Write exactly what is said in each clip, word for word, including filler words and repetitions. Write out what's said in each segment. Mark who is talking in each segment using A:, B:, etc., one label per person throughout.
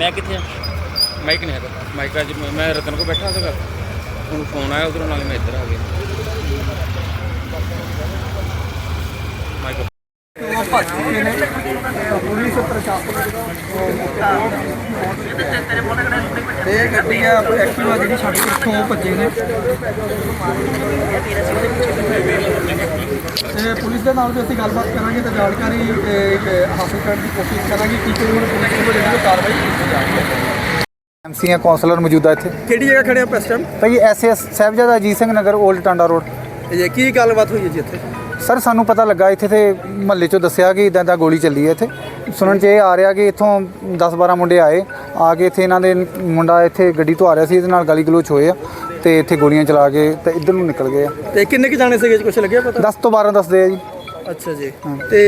A: मैं कितने
B: माइक नहीं है माइक अज मैं रतन को बैठा था हूँ फोन आया उधरों नाल मैं इधर आ गया माइक
C: पुलिस प्रशासन ਇਹ ਗੱਡੀ ਆ ਐਕਟਿਵਾ ਜਿਹੜੀ ਛੱਡ ਕੇ ਇੱਥੋਂ ਭੱਜੇ ਨੇ ਤੇ ਪੁਲਿਸ ਦੇ ਨਾਲ ਵੀ ਅਸੀਂ ਗੱਲਬਾਤ ਕਰਾਂਗੇ ਤੇ ਜਾਣਕਾਰੀ ਹਾਸਲ ਕਰਨ ਦੀ ਕੋਸ਼ਿਸ਼ ਕਰਾਂਗੇ ਕਿ ਕੋਈ ਹੁਣ ਪੁਲਿਸ ਵੱਲੋਂ ਜਿਹੜੀ ਕਾਰਵਾਈ ਕੀਤੀ ਜਾ ਰਹੀ ਹੈ।
D: ਐਮਸੀ ਆ ਕੌਂਸਲਰ ਮੌਜੂਦਾ ਇੱਥੇ
C: ਕਿਹੜੀ ਜਗ੍ਹਾ ਖੜੇ ਆ ਇਸ ਟਾਈਮ?
D: ਭਾਈ SS Sahibzada Ajit Singh Nagar old Tanda road.
C: ਇਹ ਕੀ ਗੱਲਬਾਤ ਹੋਈ ਹੈ ਜੀ ਇੱਥੇ?
D: ਸਰ ਸਾਨੂੰ ਪਤਾ ਲੱਗਾ ਇੱਥੇ ਤੇ ਮਹੱਲੇ 'ਚੋਂ ਦੱਸਿਆ ਕਿ ਇੱਦਾਂ ਦਾ ਗੋਲੀ ਚੱਲੀ ਹੈ ਇੱਥੇ। ਸੁਣਨ 'ਚ ਇਹ ਆ ਰਿਹਾ ਕਿ ਇੱਥੋਂ ਦਸ ਬਾਰਾਂ ਮੁੰਡੇ ਆਏ ਆ ਕੇ ਇੱਥੇ ਇਹਨਾਂ ਦੇ ਮੁੰਡਾ ਇੱਥੇ ਗੱਡੀ ਤੋਂ ਆ ਰਿਹਾ ਸੀ, ਇਹਦੇ ਨਾਲ ਗਾਲੀ ਗਲੋਚ ਹੋਏ ਆ ਤੇ ਇੱਥੇ ਗੋਲੀਆਂ ਚਲਾ ਕੇ ਤੇ ਇੱਧਰ ਨੂੰ ਨਿਕਲ ਗਏ ਆ।
C: ਤੇ ਕਿੰਨੇ ਕੁ ਜਾਣੇ ਸੀਗੇ? ਕੁਛ ਲੱਗਿਆ ਪਤਾ?
D: ਦਸ ਤੋਂ ਬਾਰਾਂ ਦੱਸਦੇ ਆ ਜੀ।
C: ਅੱਛਾ ਜੀ। ਤੇ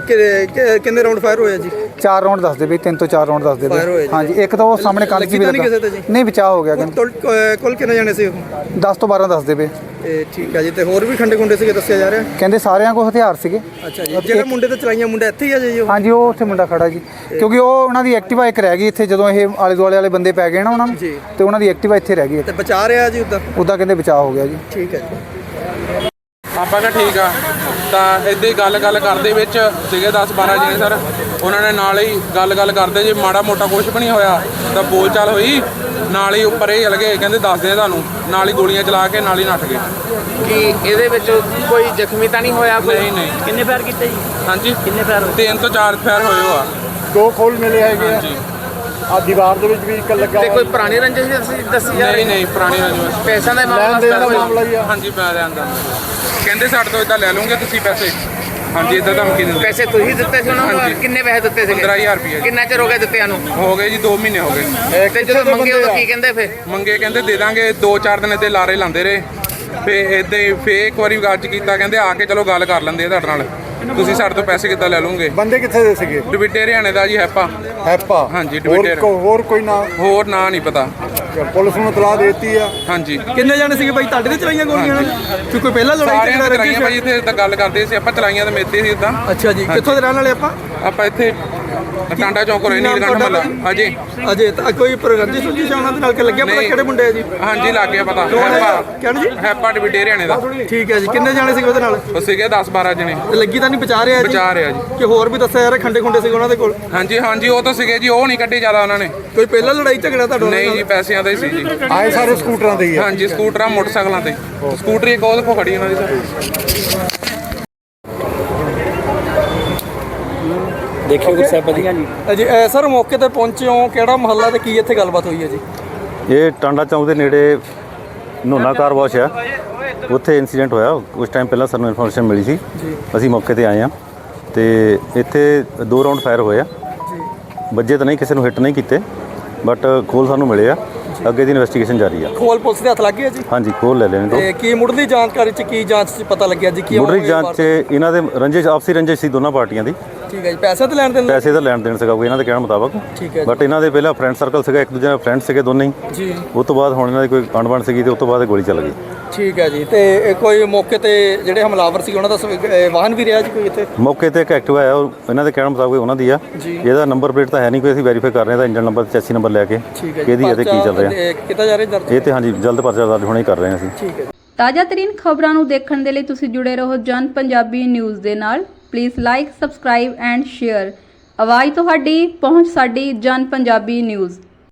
C: ਕਿੰਨੇ ਰਾਉਂਡ ਫਾਇਰ ਹੋਇਆ ਜੀ?
D: ਚਾਰ ਰਾਉਂਡ ਦੱਸਦੇ ਬਈ, ਤਿੰਨ ਤੋਂ ਚਾਰ ਰਾਉਂਡ ਦੱਸਦੇ ਬਈ। ਹਾਂਜੀ, ਇੱਕ ਤਾਂ ਉਹ ਸਾਹਮਣੇ ਕੰਧ 'ਚ ਵੀ ਲੱਗਾ ਨਹੀਂ, ਬਚਾਅ ਹੋ ਗਿਆ।
C: ਕੁੱਲ ਕਿੰਨੇ ਜਾਣੇ ਸੀ ਉਹ?
D: ਦਸ ਤੋਂ ਬਾਰਾਂ ਦੱਸਦੇ ਪਏ।
C: ਇਹ ਠੀਕ ਹੈ ਜੀ। ਤੇ ਹੋਰ ਵੀ ਖੰਡੇ ਖੁੰਡੇ ਸੀਗੇ ਦੱਸਿਆ ਜਾ ਰਿਹਾ?
D: ਕਹਿੰਦੇ ਸਾਰਿਆਂ ਕੋਲ ਹਥਿਆਰ ਸੀਗੇ।
C: ਅੱਛਾ ਜੀ। ਜਿਹੜੇ ਮੁੰਡੇ ਤੇ ਚਲਾਈਆਂ ਮੁੰਡਾ ਇੱਥੇ ਹੀ ਆ ਜੀ?
D: ਹਾਂਜੀ, ਉਹ ਉੱਥੇ ਮੁੰਡਾ ਖੜਾ ਜੀ, ਕਿਉਂਕਿ ਉਹ ਉਹਨਾਂ ਦੀ ਐਕਟਿਵਾ ਇੱਕ ਰਹਿ ਗਈ ਇੱਥੇ ਜਦੋਂ ਇਹ ਆਲੇ ਦੁਆਲੇ ਵਾਲੇ ਬੰਦੇ ਪੈ ਗਏ ਨਾ ਉਹਨਾਂ ਨੂੰ, ਤੇ ਉਹਨਾਂ ਦੀ ਐਕਟਿਵਾ ਇੱਥੇ ਰਹਿ ਗਈ।
C: ਤੇ ਬਚਾ ਰਿਹਾ ਜੀ ਉੱਦਾਂ?
D: ਉੱਦਾਂ ਕਹਿੰਦੇ ਬਚਾਅ ਹੋ ਗਿਆ ਜੀ।
C: ਠੀਕ ਹੈ ਜੀ।
B: ਆਪਾਂ ਕਿਹਾ ਠੀਕ ਆ, ਤਾਂ ਇੱਦਾਂ ਹੀ ਗੱਲ ਗੱਲ ਕਰਦੇ ਵਿੱਚ ਸੀਗੇ ਦਸ ਬਾਰਾਂ ਜਣੇ ਸਰ। ਉਹਨਾਂ ਨੇ ਨਾਲ ਹੀ ਗੱਲ ਗੱਲ ਕਰਦੇ ਜੇ ਮਾੜਾ ਮੋਟਾ ਕੁਛ ਵੀ ਨਹੀਂ ਹੋਇਆ ਤਾਂ ਬੋਲ ਚਾਲ ਹੋਈ, ਨਾਲ ਹੀ ਉੱਪਰ ਇਹ ਚਲ ਗਏ, ਕਹਿੰਦੇ ਦੱਸਦੇ ਆ ਤੁਹਾਨੂੰ, ਨਾਲ ਹੀ ਗੋਲੀਆਂ ਚਲਾ ਕੇ ਨਾਲ ਹੀ ਨੱਠ ਗਏ।
A: कि ਇਹਦੇ ਵਿੱਚ ਕੋਈ ਜ਼ਖਮੀ ਤਾਂ ਨਹੀਂ ਹੋਇਆ?
B: ਨਹੀਂ ਨਹੀਂ।
A: ਕਿੰਨੇ ਫਾਇਰ ਕੀਤੇ ਜੀ?
B: ਹਾਂਜੀ,
A: ਕਿੰਨੇ ਫਾਇਰ?
B: ਤਿੰਨ ਤੋਂ ਚਾਰ ਫਾਇਰ ਹੋਏ ਹੋ ਆ।
C: ਦੋ ਖੋਲ ਮਿਲੇ ਹੈਗੇ
B: ਹਾਂਜੀ।
C: ਆ ਦੀਵਾਰ ਦੇ ਵਿੱਚ ਵੀ ਇੱਕ ਲੱਗਾ।
A: ਤੇ ਕੋਈ ਪੁਰਾਣੀ ਰੰਜਿਸ਼ ਦੱਸੀ ਦੱਸੀ ਜਾ ਰਹੀ?
B: ਨਹੀਂ ਨਹੀਂ, ਪੁਰਾਣੀ ਰੰਜਿਸ਼।
A: ਪੈਸਿਆਂ ਦਾ
C: ਲੈਣ ਦੇਣ ਦਾ ਮਾਮਲਾ ਹੀ ਆ।
B: ਹਾਂਜੀ, ਪੈਸਿਆਂ ਦਾ। ਕਹਿੰਦੇ ਸਾਡੇ ਤੋਂ ਇਦਾਂ ਲੈ ਲਓਗੇ ਤੁਸੀਂ ਪੈਸੇ। ਹਾਂਜੀ, ਇਦਾਂ ਧਮਕੀ ਦਿੰਦੇ।
A: ਪੈਸੇ ਤੁਸੀਂ ਦਿੱਤੇ ਸੀ ਉਹਨਾਂ ਨੂੰ? ਕਿੰਨੇ ਪੈਸੇ ਦਿੱਤੇ ਸੀ?
B: ਪੰਦਰਾਂ ਹਜ਼ਾਰ ਰੁਪਏ।
A: ਕਿੰਨਾ ਚਿਰ ਹੋ ਗਿਆ ਦਿੱਤਿਆਂ ਨੂੰ?
B: ਹੋ ਗਏ ਜੀ, ਦੋ ਮਹੀਨੇ ਹੋ ਗਏ।
A: ਤੇ ਜਦੋਂ ਮੰਗੇ ਉਦੋਂ ਕੀ ਕਹਿੰਦੇ ਫਿਰ?
B: ਮੰਗੇ ਕਹਿੰਦੇ ਦੇ ਦਾਂਗੇ, ਦੋ ਚਾਰ ਦਿਨ ਇੱਥੇ ਲਾਰੇ ਲਾਉਂਦੇ ਰਹੇ। ਫੇ ਇੱਦਾਂ ਹੀ ਫੇਰ ਇੱਕ ਵਾਰੀ ਗੱਜ ਕੀਤਾ, ਕਹਿੰਦੇ ਆ ਕੇ ਚਲੋ ਗੱਲ ਕਰ ਲੈਂਦੇ ਆ ਤੁਹਾਡੇ ਨਾਲ, ਤੁਸੀਂ ਸਾਡੇ ਤੋਂ ਪੈਸੇ ਕਿੱਦਾਂ ਲੈ ਲਓਗੇ।
C: ਬੰਦੇ ਕਿੱਥੇ ਦੇ ਸੀਗੇ?
B: ਡਿਬਿਟੇ ਹਰਿਆਣੇ ਦਾ ਜੀ, ਹੈਪਾ।
C: ਹੈਪਾ?
B: ਹਾਂਜੀ, ਡਿਬਿਟੇ।
C: ਹੋਰ ਕੋਈ ਨਾ?
B: ਹੋਰ ਨਾਂ ਨਹੀਂ ਪਤਾ।
C: ਪੁਲਿਸ ਨੂੰ ਇਤਲਾਹ ਦੇ ਦਿੱਤੀ ਆ?
B: ਹਾਂਜੀ।
C: ਕਿੰਨੇ ਜਾਣੇ ਸੀਗੇ ਬਾਈ ਤੁਹਾਡੇ ਤੇ ਚਲਾਈਆਂ ਗੋਲੀਆਂ? ਕਿ ਕੋਈ ਪਹਿਲਾਂ ਲੜਾਈ
B: ਸਾਰਿਆਂ ਨੇ ਚਲਾਈਆਂ ਭਾਈ, ਇੱਥੇ ਤਾਂ ਗੱਲ ਕਰਦੇ ਸੀ ਆਪਾਂ, ਚਲਾਈਆਂ ਤਾਂ ਮੇਤੇ ਸੀ ਇਦਾਂ।
C: ਅੱਛਾ ਜੀ। ਕਿੱਥੋਂ ਦੇ ਰਹਿਣ ਵਾਲੇ ਆਪਾਂ?
B: ਆਪਾਂ ਇੱਥੇ ਟਾਂਡਾ ਚੌਂਕ ਰਹਿ ਨੀਲ ਗੰਢ ਮੱਲਾ। ਅਜੇ
C: ਅਜੇ ਤਾਂ ਕੋਈ ਪ੍ਰਗੰਦੀ ਸੁਝੀ ਸ਼ਾਨਾਂ ਦੇ ਨਾਲ ਕਿ ਲੱਗਿਆ ਪਤਾ ਕਿਹੜੇ ਮੁੰਡੇ ਆ ਜੀ?
B: ਹਾਂਜੀ, ਲੱਗ ਗਿਆ ਪਤਾ। ਹੈਪਾ
C: ਕਹਿਣ ਜੀ?
B: ਹੈਪਾ ਡਿਬਿਟੇ ਹਰਿਆਣੇ ਦਾ।
C: ਠੀਕ ਹੈ ਜੀ। ਕਿੰਨੇ ਜਾਣੇ ਸੀਗੇ ਉਹਦੇ ਨਾਲ?
B: ਉਹ ਸੀਗੇ ਦਸ ਬਾਰਾਂ ਜਣੇ।
C: ਤੇ ਲੱਗੀ ਤਾਂ ਨਹੀਂ? ਬਚਾ ਰਿਹਾ ਜੀ?
B: ਬਚਾ ਰਿਹਾ ਜੀ।
C: ਕਿ ਹੋਰ ਵੀ ਦੱਸਿਆ ਯਾਰ ਖੰਡੇ ਖੁੰਡੇ ਸੀਗੇ ਉਹਨਾਂ ਦੇ ਕੋਲ?
B: ਹਾਂਜੀ ਹਾਂਜੀ, ਉਹ ਤਾਂ ਸੀਗੇ ਜੀ, ਉਹ ਨਹੀਂ ਕੱਢੇ ਜ਼ਿਆਦਾ ਉਹਨਾਂ ਨੇ।
C: ਕੋਈ ਪਹਿਲਾਂ ਲੜਾਈ ਝਗੜਾ ਤੁਹਾਡਾ?
B: ਨਹੀਂ ਜੀ, ਪੈਸਿਆਂ ਦਾ ਹੀ ਸੀ ਜੀ।
C: ਆਏ ਸਾਰੇ ਸਕੂਟਰਾਂ ਦੇ ਹੀ ਆ?
B: ਹਾਂਜੀ, ਸਕੂਟਰਾਂ ਮੋਟਰਸਾਈਕਲਾਂ ਤੇ। ਸਕੂਟਰੀ ਇੱਕ ਉਹਦੇ ਕੋਲ ਖੜੀ ਉਹਨਾਂ ਦੀ ਸਰ।
A: ਦੇਖਿਓ ਗੁਰ ਸਾਹਿਬ ਜੀ।
C: ਜੀ ਸਰ, ਮੌਕੇ ਤੇ ਪਹੁੰਚੇ ਹੋ, ਕਿਹੜਾ ਮਹੱਲਾ ਤੇ ਕੀ ਇੱਥੇ ਗੱਲਬਾਤ ਹੋਈ ਹੈ ਜੀ?
E: ਇਹ ਟਾਂਡਾ ਚੌਂਕ ਦੇ ਨੇੜੇ ਨੋਨਾ ਕਾਰ ਵਾਸ਼ ਆ, ਉੱਥੇ ਇਨਸੀਡੈਂਟ ਹੋਇਆ। ਕੁਝ ਟਾਈਮ ਪਹਿਲਾਂ ਸਾਨੂੰ ਇਨਫੋਰਮੇਸ਼ਨ ਮਿਲੀ ਸੀ, ਅਸੀਂ ਮੌਕੇ ਤੇ ਆਏ ਆ ਤੇ ਇੱਥੇ ਦੋ ਰਾਉਂਡ ਫਾਇਰ ਹੋਏ ਆ। ਵੱਜੇ ਤਾਂ ਨਹੀਂ, ਕਿਸੇ ਨੂੰ ਹਿੱਟ ਨਹੀਂ ਕੀਤੇ, ਬਟ ਖੋਲ ਸਾਨੂੰ ਮਿਲੇ ਆ। ਅੱਗੇ ਦੀ ਇਨਵੈਸਟੀਗੇਸ਼ਨ ਜਾਰੀ ਆ।
C: ਖੋਲ ਪੁਲਿਸ ਦੇ ਹੱਥ ਲੱਗ ਗਏ ਜੀ?
E: ਹਾਂਜੀ, ਖੋਲ ਲੈ ਲੈਣੇ ਦੋ।
C: ਤੇ ਕੀ ਮੁੱਢਲੀ ਜਾਣਕਾਰੀ ਚ ਕੀ ਜਾਂਚ ਚ ਪਤਾ ਲੱਗਿਆ ਜੀ? ਕੀ
E: ਮੁੱਢਲੀ ਜਾਂਚ 'ਚ ਇਹਨਾਂ ਦੇ ਰੰਜਿਸ਼, ਆਪਸੀ ਰੰਜਿਸ਼ ਸੀ ਦੋਨਾਂ ਪਾਰਟੀਆਂ ਦੀ।
C: ਠੀਕ ਹੈ ਜੀ। ਪੈਸੇ ਤੇ ਲੈਣ ਦੇਣ?
E: ਪੈਸੇ ਦਾ ਲੈਣ ਦੇਣ ਸੀਗਾ ਕੋਈ ਇਹਨਾਂ ਦੇ ਕਹਿਣ ਮੁਤਾਬਕ।
C: ਠੀਕ ਹੈ।
E: ਬਟ ਇਹਨਾਂ ਦੇ ਪਹਿਲਾਂ ਫਰੈਂਡ ਸਰਕਲ ਸੀਗਾ, ਇੱਕ ਦੂਜੇ ਨਾਲ ਫਰੈਂਡ ਸੀਗੇ ਦੋਨੇ ਹੀ
C: ਜੀ।
E: ਉਸ ਤੋਂ ਬਾਅਦ ਹੁਣ ਇਹਨਾਂ ਦੀ ਕੋਈ ਅਣਬਣ ਸੀਗੀ ਤੇ ਉਸ ਤੋਂ ਬਾਅਦ ਗੋਲੀ ਚੱਲ ਗਈ।
C: ਠੀਕ ਹੈ ਜੀ। ਤੇ ਇਹ ਕੋਈ ਮੌਕੇ ਤੇ ਜਿਹੜੇ ਹਮਲਾਵਰ ਸੀ ਉਹਨਾਂ ਦਾ ਸ- ਵਾਹਨ ਵੀ ਰਿਹਾ ਜੀ ਕੋਈ ਇੱਥੇ?
E: ਮੌਕੇ ਤੇ ਇੱਕ ਐਕਟਿਵਾ ਆਇਆ, ਉਹ ਇਹਨਾਂ ਦੇ ਕਹਿਣ ਮੁਤਾਬਕ ਉਹਨਾਂ ਦੀ ਆ। ਇਹਦਾ ਨੰਬਰ ਪਲੇਟ ਤਾਂ ਹੈ ਨਹੀਂ ਕੋਈ, ਅਸੀਂ ਵੈਰੀਫਾਈ ਕਰ ਰਹੇ ਹਾਂ। ਇੰਜਨ ਨੰਬਰ, ਚੈਸੀ ਨੰਬਰ ਲੈ ਕੇ ਕਿਹਦੀ ਇਹਦੇ ਕੀ ਚੱਲ ਰਿਹਾ
C: ਕਿਤਾ ਜਾ ਰਿਹਾ ਦਰਜ?
E: ਇਹ ਤੇ ਹਾਂਜੀ, ਜਲਦ ਪਰਚਾ ਦਰਜ ਹੁਣੇ ਕਰ ਰਹੇ ਹਾਂ ਅਸੀਂ।
C: ਠੀਕ ਹੈ।
F: ਤਾਜ਼ਾ ਤਰੀਨ ਖਬਰਾਂ ਨੂੰ ਦੇਖਣ ਦੇ ਲਈ ਤੁਸੀਂ ਜੁੜੇ ਰਹੋ ਜਨ ਪੰਜਾਬੀ ਨਿਊਜ਼ ਦੇ ਨਾਲ। Please like, subscribe and share. ਆਵਾਜ਼ ਤੁਹਾਡੀ, ਪਹੁੰਚ ਸਾਡੀ। ਜਨ ਪੰਜਾਬੀ ਨਿਊਜ਼।